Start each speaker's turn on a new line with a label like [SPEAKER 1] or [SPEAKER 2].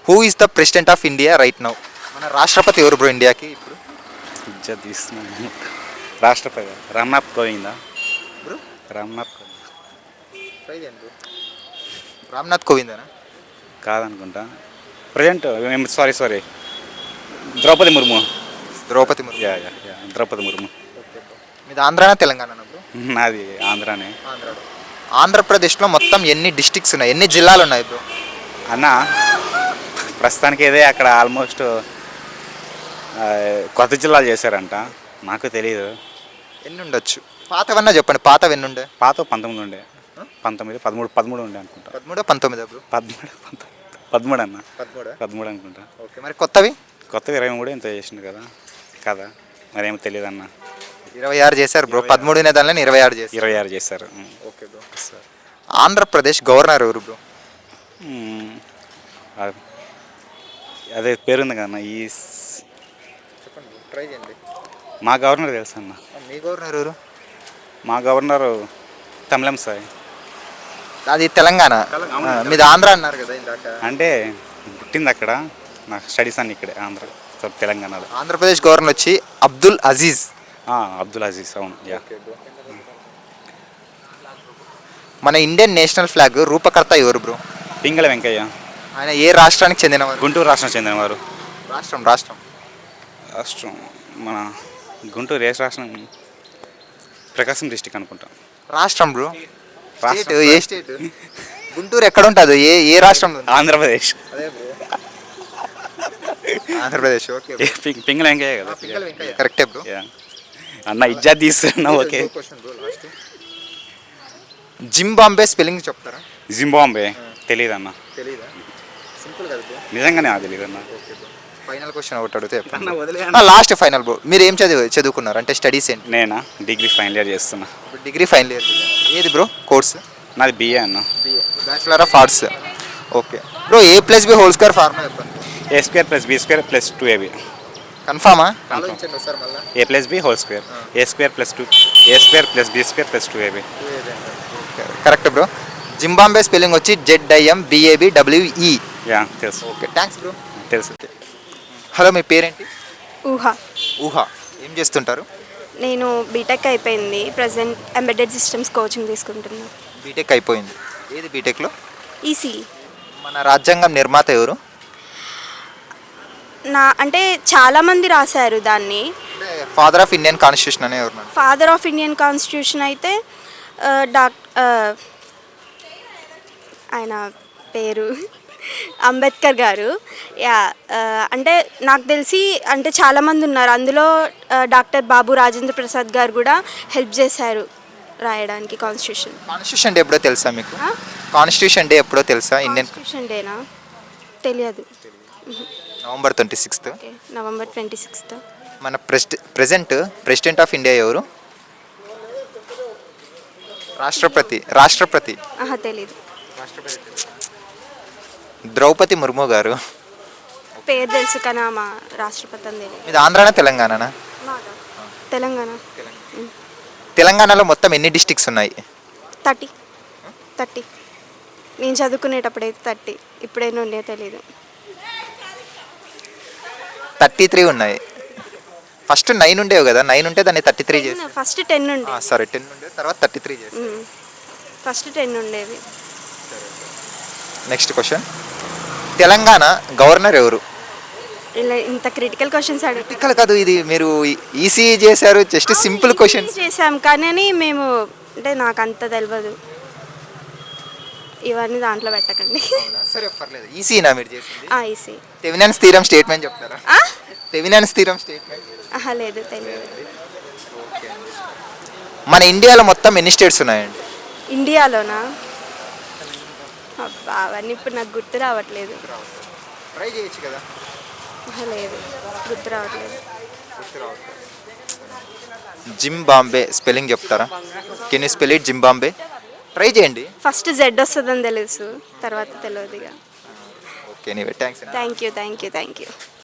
[SPEAKER 1] Who is the president of India right now? మన రాష్ట్రపతి ఎవరు బ్రో ఇండియాకి ఇప్పుడు?
[SPEAKER 2] ఇజ్జత్ తీస్తున్నాను. రాష్ట్రపతి రామ్నాథ్ కోవిందా?
[SPEAKER 1] బ్రో
[SPEAKER 2] రామ్నాథ్ కోవింద్
[SPEAKER 1] రామ్నాథ్ కోవిందేనా?
[SPEAKER 2] కాదనుకుంటా. Present sorry Droupadi Murmu.
[SPEAKER 1] Droupadi Murmu.
[SPEAKER 2] Yeah Droupadi Murmu.
[SPEAKER 1] మీది ఆంధ్రానా తెలంగాణ బ్రో?
[SPEAKER 2] నాది ఆంధ్రానే.
[SPEAKER 1] ఆంధ్రప్రదేశ్లో మొత్తం ఎన్ని డిస్ట్రిక్ట్స్ ఉన్నాయి, ఎన్ని జిల్లాలు ఉన్నాయి బ్రో?
[SPEAKER 2] అన్న ప్రస్తుతానికి ఇదే అక్కడ ఆల్మోస్ట్ కొత్త జిల్లాలు చేశారంట, నాకు తెలియదు.
[SPEAKER 1] ఎన్ని ఉండొచ్చు? పాతవన్నా చెప్పండి, పాతవి ఎన్ని ఉండే?
[SPEAKER 2] పాత 19 ఉండే, 19, 13 ఉండే అనుకుంటా.
[SPEAKER 1] 13 19 బ్రో?
[SPEAKER 2] 13 అన్న, 13 అనుకుంటా.
[SPEAKER 1] ఓకే, మరి కొత్తవి?
[SPEAKER 2] కొత్తవి 23 ఎంతో చేసిండు కదా మరేమో తెలియదు అన్న.
[SPEAKER 1] 26 చేశారు బ్రో. 13 అనే దానిలో 26
[SPEAKER 2] చేశారు.
[SPEAKER 1] Okay bro. ఆంధ్రప్రదేశ్ గవర్నర్ ఎవరు బ్రో?
[SPEAKER 2] అదే పేరుంది కదన్న.
[SPEAKER 1] చెప్పండి, ట్రై చేయండి.
[SPEAKER 2] మా గవర్నర్ తెలుసు అన్న.
[SPEAKER 1] మీ గవర్నర్ ఎవరు?
[SPEAKER 2] మా గవర్నరు తమిళం సాయి.
[SPEAKER 1] అది తెలంగాణ. మీది ఆంధ్ర అన్నారు కదా ఇందాక.
[SPEAKER 2] అంటే పుట్టింది అక్కడ, నాకు స్టడీస్ అన్ని ఇక్కడే ఆంధ్ర తెలంగాణలో.
[SPEAKER 1] ఆంధ్రప్రదేశ్ గవర్నర్ వచ్చి అబ్దుల్ అజీజ్.
[SPEAKER 2] అబ్దుల్ అజీజ్, అవును.
[SPEAKER 1] మన ఇండియన్ నేషనల్ ఫ్లాగ్ రూపకర్త ఎవరు బ్రో?
[SPEAKER 2] పింగళ వెంకయ్య.
[SPEAKER 1] ఆయన ఏ రాష్ట్రానికి చెందినవారు?
[SPEAKER 2] గుంటూరు రాష్ట్రం చెందినవారు.
[SPEAKER 1] రాష్ట్రం
[SPEAKER 2] మన గుంటూరు ఏ రాష్ట్రం? ప్రకాశం డిస్టిక్ అనుకుంటా.
[SPEAKER 1] రాష్ట్రం బ్రో. స్టేట్ ఏ స్టేట్? గుంటూరు ఎక్కడ ఉంటుంది? ఏ రాష్ట్రం?
[SPEAKER 2] ఆంధ్రప్రదేశ్.
[SPEAKER 1] అదే బ్రో, ఆంధ్రప్రదేశ్. ఓకే,
[SPEAKER 2] పింగళ వెంకయ్య కదా.
[SPEAKER 1] కరెక్టే బ్రో.
[SPEAKER 2] అన్న ఇజ్జత్ తీస్తున్నా. ఓకే.
[SPEAKER 1] జింబాంబే స్పెల్లింగ్ చెప్తారా?
[SPEAKER 2] జింబాంబే తెలీదు అన్న.
[SPEAKER 1] తెలీదా? సింపుల్ కదా బ్రో.
[SPEAKER 2] నిజంగానే తెలీదు అన్న.
[SPEAKER 1] ఫైనల్ క్వశ్చన్ ఒకటి అడిగితే లాస్ట్ ఫైనల్ బ్రో. మీరు ఏం చదువుకున్నారు అంటే స్టడీస్ ఏంటి?
[SPEAKER 2] నేనా డిగ్రీ ఫైనల్ ఇయర్ చేస్తున్నా.
[SPEAKER 1] Degree final year. ఏది బ్రో కోర్స్?
[SPEAKER 2] నాది బిఏ అన్న.
[SPEAKER 1] Bachelor of arts. Okay bro. A+B whole square formula చెప్పండి.
[SPEAKER 2] A² + B² + 2AB.
[SPEAKER 1] కన్ఫామా?
[SPEAKER 2] A+B whole square, A² + 2, A² + B² + 2AB.
[SPEAKER 1] Correct bro. Zimbabwe spelling వచ్చి ZIMBABWE.
[SPEAKER 2] తెలుసు.
[SPEAKER 1] Okay, thanks bro.
[SPEAKER 2] తెలుసు.
[SPEAKER 1] Hello, మీ పేరేంటి?
[SPEAKER 3] ఊహా.
[SPEAKER 1] ఏం చేస్తుంటారు?
[SPEAKER 3] నేను బీటెక్ అయిపోయింది, ప్రజెంట్ ఎంబెడెడ్ సిస్టమ్స్ కోచింగ్ తీసుకుంటున్నాను.
[SPEAKER 1] బీటెక్ అయిపోయింది. ఏది బీటెక్లో?
[SPEAKER 3] ఈసీ.
[SPEAKER 1] మన రాజ్యాంగం నిర్మాత ఎవరు?
[SPEAKER 3] అంటే చాలామంది రాశారు దాన్ని.
[SPEAKER 1] ఫాదర్ ఆఫ్ ఇండియన్ కాన్స్టిట్యూషన్ అనే ఎవరు?
[SPEAKER 3] ఫాదర్ ఆఫ్ ఇండియన్ కాన్స్టిట్యూషన్ అయితే ఆయన పేరు అంబేద్కర్ గారు. అంటే నాకు తెలిసి అంటే చాలామంది ఉన్నారు అందులో. డాక్టర్ బాబు రాజేంద్ర ప్రసాద్ గారు కూడా హెల్ప్ చేశారు రాయడానికి కాన్స్టిట్యూషన్.
[SPEAKER 1] కాన్స్టిట్యూషన్ డే ఎప్పుడో తెలుసా మీకు? కాన్స్టిట్యూషన్ డే ఎప్పుడో తెలుసా? ఇండియన్
[SPEAKER 3] కాన్స్టిట్యూషన్ డేనా? తెలియదు.
[SPEAKER 1] నవంబర్ 26.
[SPEAKER 3] నవంబర్ 26.
[SPEAKER 1] మన ప్రెజెంట్ ప్రెసిడెంట్ ఆఫ్ ఇండియా ఎవరు? రాష్ట్రపతి.
[SPEAKER 3] తెలీదు.
[SPEAKER 1] ద్రౌపది ముర్ము గారు.
[SPEAKER 3] పేరు తెలుసు కానీ మా రాష్ట్రపతి అని తెలియదు.
[SPEAKER 1] ఇది ఆంధ్రానా తెలంగాణనా?
[SPEAKER 3] తెలంగాణ.
[SPEAKER 1] తెలంగాణలో మొత్తం ఎన్ని డిస్ట్రిక్ట్స్ ఉన్నాయి?
[SPEAKER 3] 30. నేను చదువుకునేటప్పుడైతే 30. ఇప్పుడైనా ఉండే తెలీదు.
[SPEAKER 1] 33 ఉన్నాయి. ఫస్ట్ 9 ఉండేవి కదా. 9 ఉంటే దాన్ని 33 చేసి.
[SPEAKER 3] ఫస్ట్ 10 ఉండే.
[SPEAKER 1] సరే, 10 ఉండే, తర్వాత 33 చేసి.
[SPEAKER 3] ఫస్ట్ 10 ఉండేవి.
[SPEAKER 1] Next question. తెలంగాణ గవర్నర్ ఎవరు?
[SPEAKER 3] ఇలా ఇంత క్రిటికల్ క్వశ్చన్స్
[SPEAKER 1] క్రిటికల్ కాదు, ఇది మీరు ఈసీ చేశారు. జస్ట్ సింపుల్ క్వశ్చన్
[SPEAKER 3] చేసాం కానీ మేము అంటే నాకు అంత తెలియదు. ఇవన్నీ దాంట్లో పెట్టకండి.
[SPEAKER 1] సరే, పర్లేదు. ఈసీనా మీరు చేసింది?
[SPEAKER 3] ఈసీ.
[SPEAKER 1] తెవినెన్స్ థీరం స్టేట్మెంట్ చెప్తారా? Thevenin's theorem statement?
[SPEAKER 3] లేదు, తెలియదు.
[SPEAKER 1] మన ఇండియాలో మొత్తం ఎన్ని స్టేట్స్ ఉన్నాయండి?
[SPEAKER 3] ఇండియాలోనా? అవన్నీ ఇప్పుడు నాకు గుర్తు రావట్లేదు.
[SPEAKER 1] ట్రై చేయొచ్చు కదా.
[SPEAKER 3] లేదు, గుర్తు రావట్లేదు.
[SPEAKER 1] జింబాంబే స్పెల్లింగ్ చెప్తారా? Can you spell it? Zimbabwe try చేయండి.
[SPEAKER 3] ఫస్ట్ Z వస్తుందని తెలుసు, తర్వాత తెలియదు.
[SPEAKER 1] Okay, thanks.
[SPEAKER 3] Thank you.